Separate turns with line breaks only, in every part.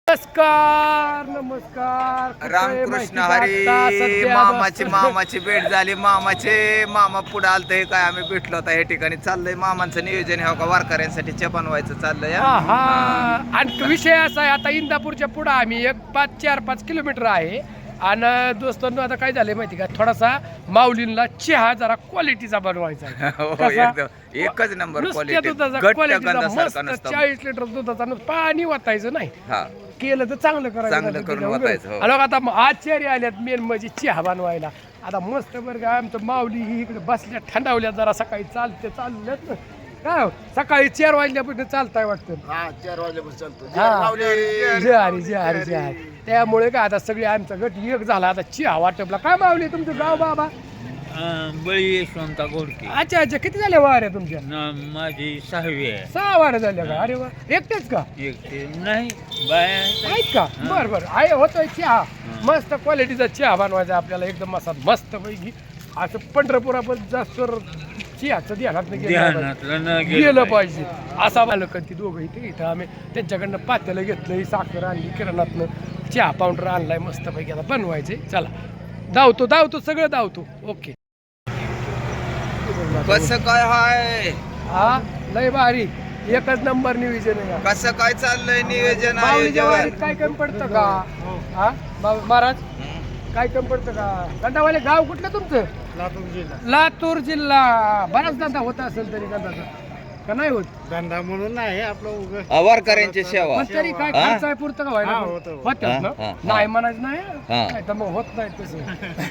नमस्कार नमस्कार.
रामकृष्ण हरी. मामाची भेट झाली. मामा पुढे आलत. हे काय आम्ही भेटलो होता या ठिकाणी. चाललंय मामांचं नियोजन हे का वारकऱ्यांसाठी चहा बनवायचं चाललंय.
आणि विषय असा आहे, आता इंदापूरच्या पुढे आम्ही 4-5 किलोमीटर आहे. आणि दोस्तांनो आता काय झालंय माहिती का, थोडासा माऊलींना चहा जरा क्वालिटीचा बनवायचा आहे.
एकच नंबर क्वालिटी.
40 लिटर दुधाचा पाणी वाटायचं नाही, केलं तर चांगलं करायचं. आता आचार्य आल्यात मेन म्हणजे चहा बनवायला. आता मस्त बरं का, आमचं माऊली ही इकडे बसल्या थंडावल्या, जरा सकाळी चालल्यात काय सकाळी 4 वाजल्यापासून चालताय वाटतं.
4 वाजल्यापासून चालतो.
जे हरी. त्यामुळे काय आता सगळे आमचा गट एक झाला. आता चहा वाटपला. काय माऊली तुमचं गाव बाबा?
बळी यशवंता गोडके.
अच्छा. किती झाल्या वाऱ्या तुमच्या?
माझी 6वी आहे.
6 वाऱ्या झाल्या का? अरे वा. एकटेच का?
एकटे नाही, बाया
आहेत का? बरं आहे. होतोय चहा. मस्त क्वालिटीचा चहा बनवायचा आपल्याला, एकदम असा मस्त पैकी. असं पंढरपुरापर्यंत जास्त चहाचं ध्यानात गेलं पाहिजे. असा मालक ती दोघं इथं आम्ही त्यांच्याकडनं पातेलं घेतलं, साखर आणली किराणातनं, चहा पावडर आणलाय मस्त पैकी. आता बनवायचे. चला धावतो सगळं धावतो. ओके.
कसं काय हाय?
लय भारी. एकच नंबर नियोजन आहे.
कसं काय चाललंय नियोजन?
काय कमी पडतं का महाराज? काय कमी पडतं का? गंधावाले गाव कुठलं तुमचं? लातूर जिल्हा. बराच धंदा होता असेल तरी गंधाचा का नाही होत?
धंदा म्हणून नाही आपलं
वारकऱ्यांची सेवा.
पण तरी काय खर्च आहे पुरतं का व्हायला? होतं ना? नाही म्हणायचं नाही तर मग होत नाही तसं.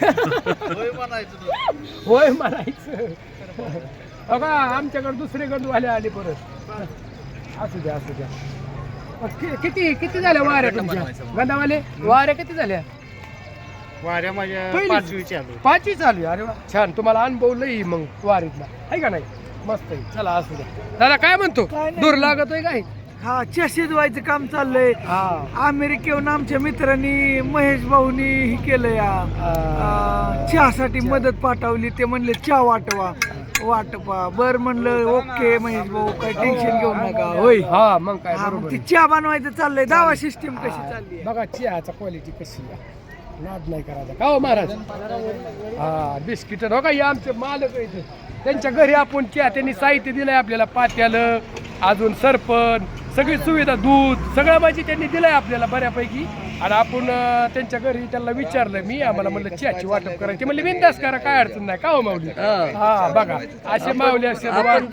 होय म्हणायचं. बघा आमच्याकडे दुसरे गंधवाले आले परत. असू द्या. किती झाल्या वाऱ्या तुमच्या गंधावाले? वाऱ्या किती झाल्या?
वाऱ्या माझ्या 5वी
चालू. अरे वा, छान. तुम्हाला अनुभव लई मग वारीतला आहे का नाही? मस्त आहे. चला असू द्या. दादा काय म्हणतो? दूर लागतोय काय?
चहा शिजवायचं काम चाललंय. अमेरिकेहून आमच्या मित्रांनी महेश भाऊनी ही केलं चहासाठी मदत पाठवली. ते म्हणले चहा वाटपा. बर म्हणलं ओके महेश भाऊ, काय टेन्शन घेऊ नका. होय.
मग काय
ती चहा बनवायचं चाललंय. दावा सिस्टीम कशी चालली
बघा. चहाचा क्वालिटी कशी आहे, नाद नाही करायचा का हो महाराज? बिस्किट हो का, हे आमचे मालक आहेत. त्यांच्या घरी आपण चहा, त्यांनी साहित्य दिलंय आपल्याला, पात्यालं, अजून सरपण, सगळी सुविधा, दूध सगळं म्हणजे त्यांनी दिलंय आपल्याला बऱ्यापैकी. आणि आपण त्यांच्या घरी त्यांना विचारलं मी, आम्हाला म्हणलं चहाची वाटप करायची. म्हणले बिनधास्त करा, काय अडचण नाही का हो माऊली? बघा असे माऊली असे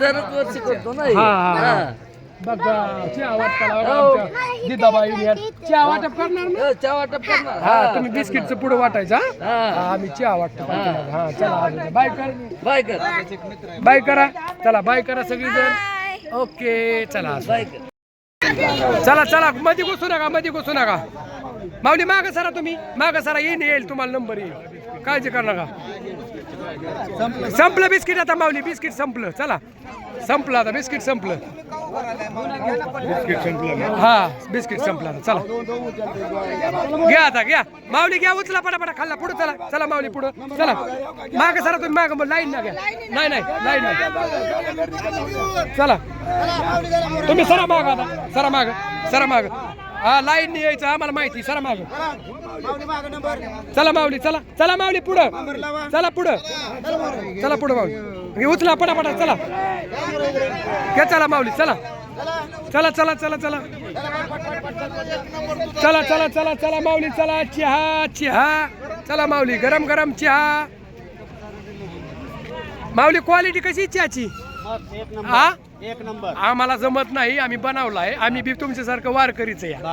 बघा चहा वाटपाला दिदाबाई चहा वाटप करणार ना?
चहा वाटप करणार.
तुम्ही बिस्किटचं पुढे वाटायचा. आम्ही चहा वाटतो. चला बाय करा. चला बाय करा सगळीजण. ओके. चला मध्ये घुसू नका. माऊली माग सरा. तुम्ही माग सरा. येईल तुम्हाला नंबर येईल. काळजी कर नका. संपलं बिस्किट आता माऊली. बिस्किट संपलं. चला संपलं आता. बिस्किट संपलं. बिस्किट संपलं. चला घ्या आता. घ्या माऊली, घ्या. उचला पटापटा. खाल्ला पुढे. चला माऊली पुढं. चला माग सरा. तुम्ही माग लाईन ना घ्या. नाही लाईन नाही. चला तुम्ही सरा माग. आता सरा माग. लाईन नाही यायचं आम्हाला माहिती. सरा माग. चला माऊली. चला माऊली पुढं. चला पुढं माऊली. उचला पटापटा. चला घ्या. चला माऊली. चला माऊली. चला चहा. चला माऊली. गरम चहा. माऊली क्वालिटी कशी चहाची?
एक नंबर.
आम्हाला जमत नाही, आम्ही बनवलाय. आम्ही बी तुमच्यासारखं वारकरीच आहे.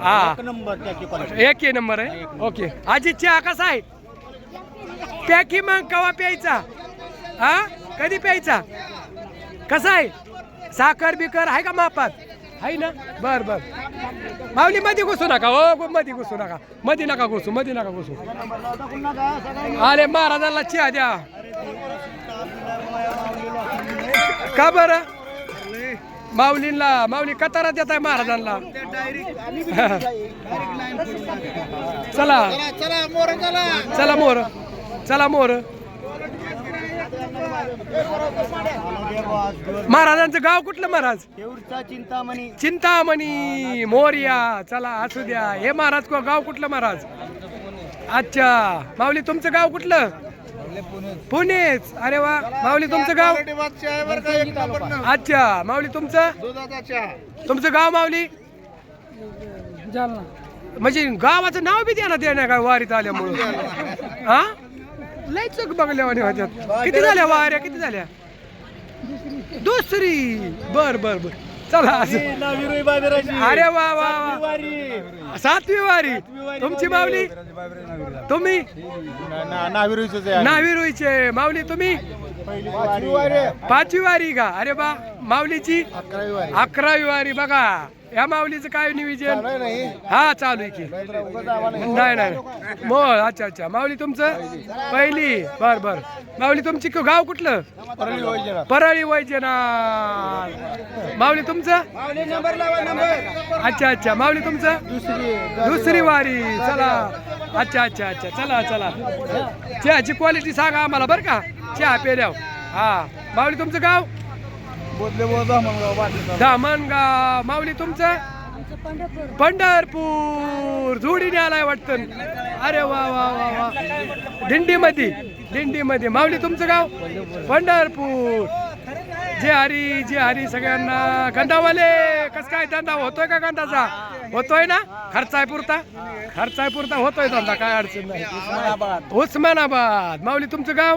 एक नंबर आहे. ओके. आजी चहा कसा आहे? प्याकी मग कवा प्यायचा? कधी प्यायचा? कसा आहे? साखर बिकर आहे का मापात? आहे ना? बर माऊली मध्ये घुसू नका. हो मध्ये घुसू नका. मध्ये नका घुसू. अरे महाराजांना चहा द्या. का बरं? माऊली कतारा देत आहे महाराजांना. चला मोर. महाराजांचं गाव कुठलं महाराज?
चिंतामणी.
चिंतामणी मोर्या. चला असू द्या. हे महाराज गाव कुठलं महाराज? अच्छा माऊली तुमचं गाव कुठलं? पुणेच. अरे वा माऊली तुमचं गाव? अच्छा माऊली तुमचं गाव माऊली?
जालना.
म्हणजे गावाचं नाव बी द्या ना काय वारीत आल्यामुळं. हा लय चूक बघल्या होत्यात. किती झाल्या वाऱ्या? किती झाल्या? दुसरी. बर बर बर चला असं. अरे वा वा वा. 7वी वारी. तुमची माऊली? तुम्ही नाविरुईचे. माऊली तुम्ही? 5वी वारी का? अरे बा माऊलीची 11वी वारी. बघा या माऊलीचं काय नियोजन? हा चालू आहे की? नाही नाही मोळ. अच्छा अच्छा माऊली तुमचं पहिली. बर बर माऊली तुमची गाव कुठलं? परळी वैजनाथ. माऊली तुमचं? अच्छा अच्छा माऊली तुमचं? दुसरी वारी. चला अच्छा अच्छा अच्छा चला चला. चहाची क्वालिटी सांगा आम्हाला बरं का चहा पेल्यावर. हा माऊली तुमचं गाव? धामणगाव. माऊली तुमचं? पंढरपूर. जोडीने आलाय वाटतं. अरे वा वा वा वा. दिंडीमध्ये. माऊली तुमचं गाव? पंढरपूर. जे हरी सगळ्यांना. गंधावाले कस काय धंदा होतोय का? गंधाचा होतोय ना? खर्चाय पुरता होतोय धंदा. काय अडचण नाही. उस्मानाबाद. माऊली तुमचं गाव?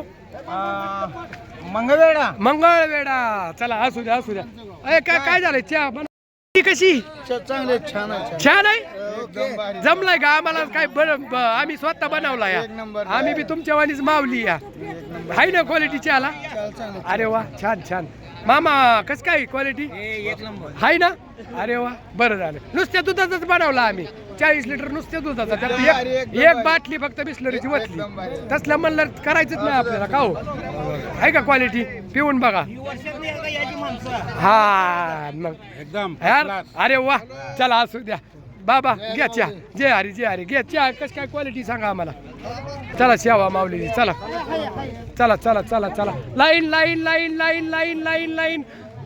मंगळवेढा. चला असू द्या असू द्या. अरे काय झालंय? चहा कशी?
चांगले छान
छान आहे. जमलाय का? आम्हाला काय आम्ही स्वतः बनवला या. आम्ही बी तुमच्या वाणीच मावली या. हाय ना क्वालिटी चहाला? अरे वा छान छान. मामा कस काय क्वालिटी? हाय ना? अरे वा बरं झालं. नुसत्या दुधाचाच बनवला आम्ही. 40 लिटर नुसत्या दुधाचा. त्यात एक बाटली फक्त बिस्लरीची वतली. तसलं म्हणलं करायचंच नाही आपल्याला. का हो आहे का क्वालिटी? पिऊन बघा. हा मग
एकदम.
अरे वा चला असू द्या. बाबा घ्या चहा. जे हरी घ्या चहा. कस काय क्वालिटी सांगा आम्हाला. चला शेवा माऊली. चला चला चला चला चला. लाईन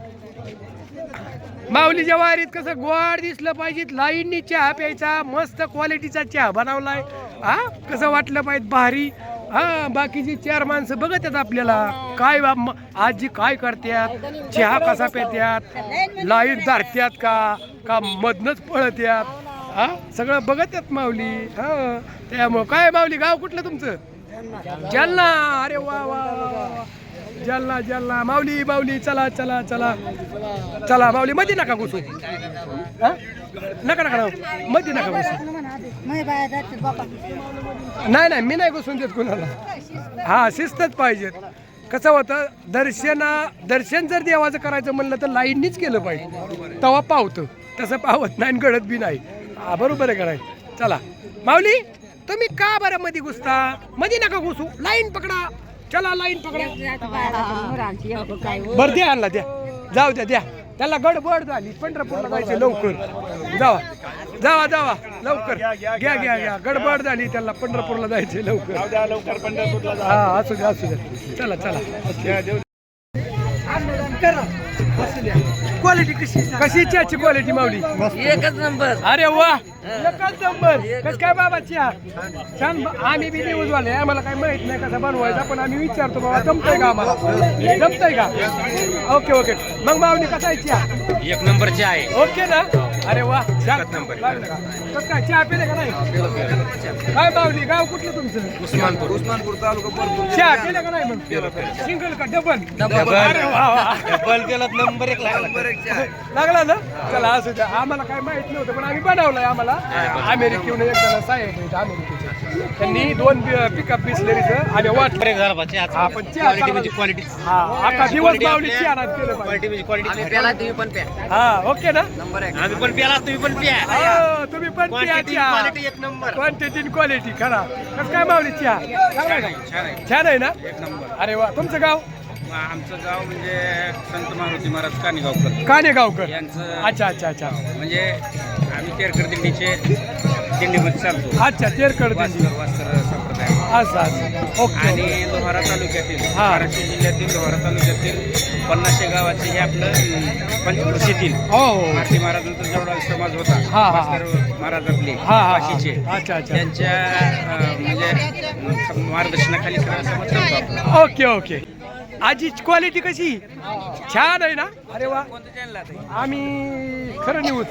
माऊलीच्या वारीत कसं गोड दिसलं पाहिजे. लाईननी चहा प्यायचा. मस्त क्वालिटीचा चहा बनवलाय. हा कसं वाटलं पाहिजे भारी. हा बाकीची 4 माणसं बघत आहेत आपल्याला काय आजी काय करतात. चहा कसा प्यात्यात. लाईन धरत्यात का मधनच पळत्यात. हा सगळं बघत आहेत माऊली. हा त्यामुळं काय माऊली गाव कुठलं तुमचं? जालना. अरे वा वा वा. जालना. माऊली चला चला चला चला. माऊली मध्ये नका घुसू. नका मध्ये नका घुसू. नाही मी नाही घुसून देत कुणाला. हा शिस्तच पाहिजेत. कसं होतं दर्शन जर देवाचं करायचं म्हणलं तर लाईननीच केलं पाहिजे. तवा पावतं. तसं पावत नाही घडत बी नाही. हा बरोबर आहे कराय. चला माऊली तुम्ही का बरं मध्ये घुसता? मध्ये नका घुसू. लाईन पकडा. चला लाईन पकडा. बरं द्या आणला द्या. जाऊ द्या त्याला गडबड झाली. पंढरपूरला जायचे लवकर. जावा लवकर. घ्या गडबड झाली त्याला. पंढरपूरला जायचे लवकर. हा असू द्या चला क्वालिटी कशी चहाची क्वालिटी माऊली?
एकच नंबर.
अरे वा एकच नंबर. कस काय बाबा चहा छान. आम्ही बी न्यूज वाले. आम्हाला काही माहित नाही कसा बनवायचा. पण आम्ही विचारतो बाबा जमतंय का आम्हाला? जमतंय का? ओके मग माऊली कसा आहे चहा?
1 नंबर चहा आहे.
ओके ना? अरे वा कस काय चहा पिले का नाही? काय माऊली गाव कुठलं तुमचं?
उस्मानपूर तालुका.
चहा पिले का नाही? मग सिंगल का डबल? अरे वा
डबल केला नंबर 1
लागला ना? चला असू द्या. आम्हाला काय माहित नव्हतं पण आम्ही बनवलंय. आम्हाला अमेरिकेहून एक जण साहेब आहेत अमेरिकेचे. त्यांनी 2 पिकअप बिस्लरीचं आणि वाटलं हा पण चहा
क्वालिटी.
हा अख्खा दिवस माऊली चहा नाद केलं पाहिजे.
तुम्ही पण प्या.
हा ओके ना?
आम्ही पण प्याला तुम्ही पण प्या.
हो, तुम्ही पण प्या चहा.
Quality 1 number.
क्वांटिटी क्वालिटी खरा. कसं काय माऊली चहा? छान आहे ना?
1 नंबर.
अरे वा तुमचं गाव?
आमचं गाव म्हणजे संत मारुती महाराज कानेगावकर
कानेगावकर.
यांचं.
अच्छा
म्हणजे आम्ही तेरकर दिंडीचे दिंडीमध्ये चालतो.
अच्छा तेरकड दिंडी.
वास्कर संप्रदाय.
असं असं ओके
आणि लोहारा तालुक्यातील
हा.
धाराशिव जिल्ह्यातील लोहारा तालुक्यातील 500 गावाचे हे आपलं पंचकृषीतील
हो हो
भारती महाराजांचा जेवढा समाज होता
हा, हा.
वास्कर महाराज आपले
हा हा
काशीचे
अच्छा अच्छा
त्यांच्या म्हणजे मार्गदर्शनाखाली सगळा समाज चालतो आपला.
Okay okay. आजीची क्वालिटी कशी छान आहे ना. अरे वा आम्ही खरं न्यूज.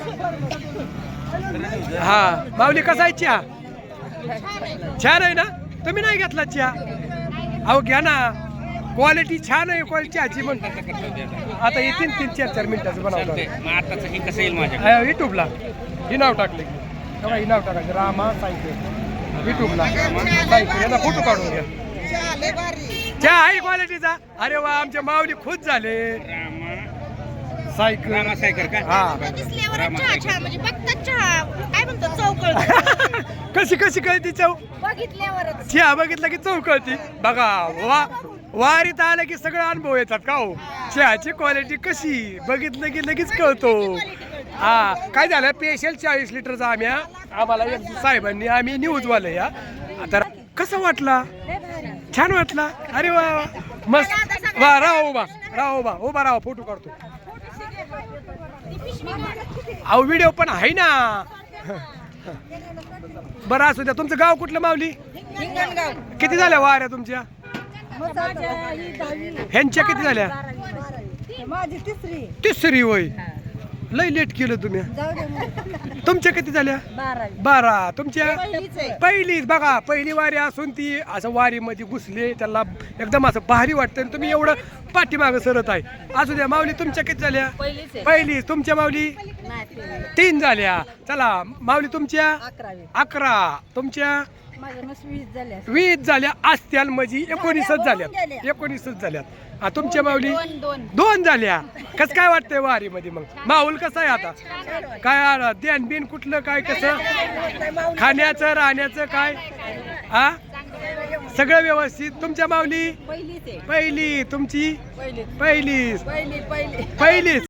हा माऊली कसा आहे चहा छान आहे ना. तुम्ही नाही घेतला चहा अहो घ्या ना क्वालिटी छान आहे क्वालिटी चहाची म्हणतात. आता येतील 3-4 मिनिटाचं बनवलं
मग आताच हे कसं येईल माझ्या
युट्यूबला ही नाव टाकले बघा ही नाव टाकायचं रामा साहित्य युट्यूबला साहित्य यांना फोटो काढून घ्या. चहा आहे क्वालिटीचा. अरे वा आमच्या माऊली खुश झाले. सायकल
रामा सायकर का
हा
दिसल्यावर चहा छान म्हणजे बघतात चहा काय म्हणतो चौकळ
कशी कशी कळती चव.
बघितल्यावरच
चहा बघितलं की चव कळती. बघा वारीत आलं की सगळं अनुभव येतात का हो. चहाची क्वालिटी कशी बघितलं की लगेच कळतो. हा काय झालं स्पेशल 40 लिटरचा आम्हाला एक साहेबांनी आम्ही न्यूजवाले या आता कसं वाटला छान वाटला. अरे वा वा. मस्त वा राहा उभा राहा फोटो काढतो. अहो व्हिडिओ पण आहे ना. बरं असू द्या. तुमचं गाव कुठलं माऊली किती झाल्या वाऱ्या तुमच्या ह्यांच्या किती झाल्या
माझी
तिसरी होय. लय लेट केलं तुम्ही. तुमच्या किती झाल्या 12. तुमच्या पहिलीच बघा पहिली वारी असून ती असं वारीमध्ये घुसले त्याला एकदम असं भारी वाटतं आणि तुम्ही एवढं पाठीमागं सरत आहे. असू द्या माऊली तुमच्या किती झाल्या पहिलीच. तुमच्या माऊली 3 झाल्या. चला माऊली तुमच्या 11. तुमच्या 20 झाल्या असत्याल म्हणजे 19च झाल्यात. तुमच्या माऊली 2 झाल्या. कसं काय वाटतंय वारीमध्ये मग माऊल कसं आहे आता काय ध्यान बिन कुठलं काय कसं खाण्याचं राहण्याचं काय हा सगळं व्यवस्थित. तुमच्या माऊली पहिली तुमची पहिलीच.